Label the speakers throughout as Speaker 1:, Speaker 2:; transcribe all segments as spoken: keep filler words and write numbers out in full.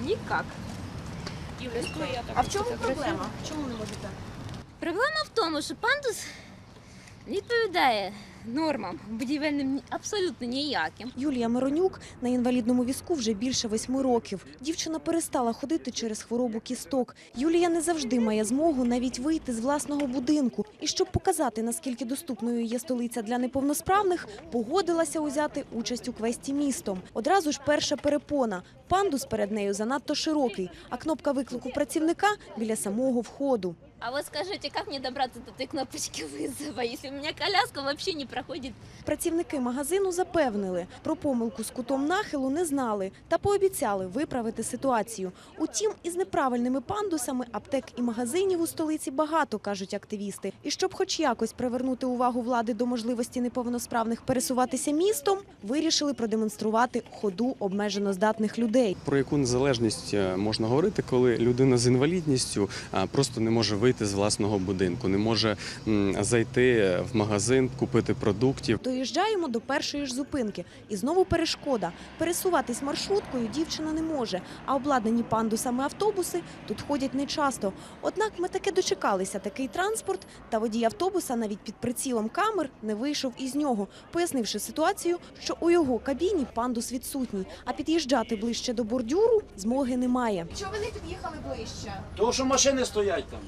Speaker 1: Никак.
Speaker 2: А в чому проблема? Чому не можете?
Speaker 1: Проблема в тому, що пандус не відповідає нормам будівельним абсолютно ніяким.
Speaker 2: Юлія Миронюк на інвалідному візку вже більше восьми років. Дівчина перестала ходити через хворобу кісток. Юлія не завжди має змогу навіть вийти з власного будинку. І щоб показати, наскільки доступною є столиця для неповносправних, погодилася узяти участь у квесті містом. Одразу ж перша перепона. Пандус перед нею занадто широкий, а кнопка виклику працівника біля самого входу.
Speaker 1: А вот скажите, как мне добраться до этой кнопочки вызова, если у меня коляска вообще не проходит?
Speaker 2: Працівники магазину запевнили, про помилку з кутом нахилу не знали та пообіцяли виправити ситуацію. Утім, із неправильними пандусами аптек і магазинів у столиці багато, кажуть активісти. І щоб хоч якось привернути увагу влади до можливості неповносправних пересуватися містом, вирішили продемонструвати ходу обмежено здатних людей.
Speaker 3: Про яку незалежність можна говорити, коли людина з інвалідністю просто не може вийти з власного будинку, не може зайти в магазин, купити продуктів.
Speaker 2: Доїжджаємо до першої ж зупинки. І знову перешкода. Пересуватись маршруткою дівчина не може, а обладнані пандусами автобуси тут ходять нечасто. Однак ми таки дочекалися такий транспорт, та водій автобуса навіть під прицілом камер не вийшов із нього, пояснивши ситуацію, що у його кабіні пандус відсутній, а під'їжджати ближче до бордюру змоги немає.
Speaker 4: Чого ви не під'їхали ближче?
Speaker 5: Тому що машини стоять там.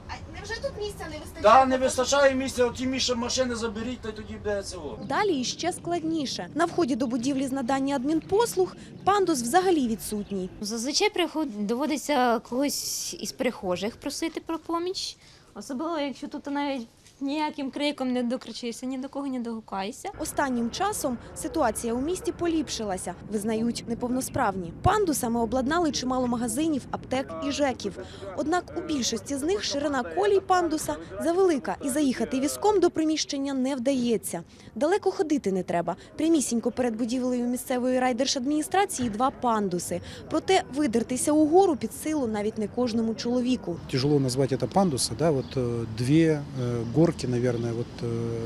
Speaker 4: А невже тут місця не вистачає?
Speaker 5: Так, не вистачає місця, оті міше машини заберіть, та й тоді буде цього.
Speaker 2: Далі іще складніше. На вході до будівлі з надання адмінпослуг пандус взагалі відсутній.
Speaker 1: Зазвичай приход... доводиться когось із перехожих просити про поміч. Особливо, якщо тут навіть ніяким криком не докричишся, ні до кого не догукаєшся.
Speaker 2: Останнім часом ситуація у місті поліпшилася, визнають неповносправні. Пандусами обладнали чимало магазинів, аптек і жеків. Однак у більшості з них ширина колій пандуса завелика і заїхати візком до приміщення не вдається. Далеко ходити не треба. Прямісінько перед будівлею місцевої райдержадміністрації два пандуси. Проте видертися угору під силу навіть не кожному чоловіку.
Speaker 6: Тяжело назвать это пандусы, да, вот э, две э, горки, наверное, вот э,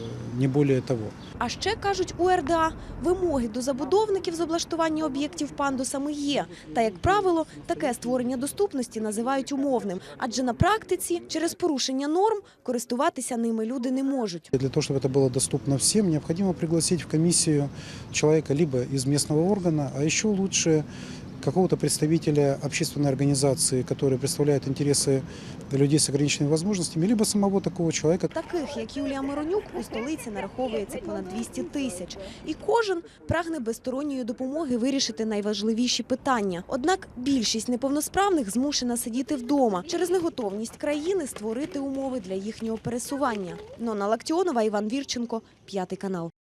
Speaker 6: не более того.
Speaker 2: А ще, кажуть у ер де а, вимоги до забудовників з облаштування об'єктів пандусами є. Та, як правило, таке створення доступності називають умовним. Адже на практиці через порушення норм користуватися ними люди не можуть.
Speaker 6: Для того, чтобы это было доступно всем, необходимо пригласить в комиссию человека либо из местного органа, а еще лучше какого-то представителя общественной организации, который представляет интересы людей с ограниченными возможностями, либо самого такого человека.
Speaker 2: Таких, як Юлія Миронюк, у столиці нараховується понад двісті тисяч. І кожен прагне без сторонньої допомоги вирішити найважливіші питання. Однак більшість неповносправних змушена сидіти вдома через неготовність країни створити умови для їхнього пересування. Нона Лактіонова, Іван Вірченко, П'ятий канал.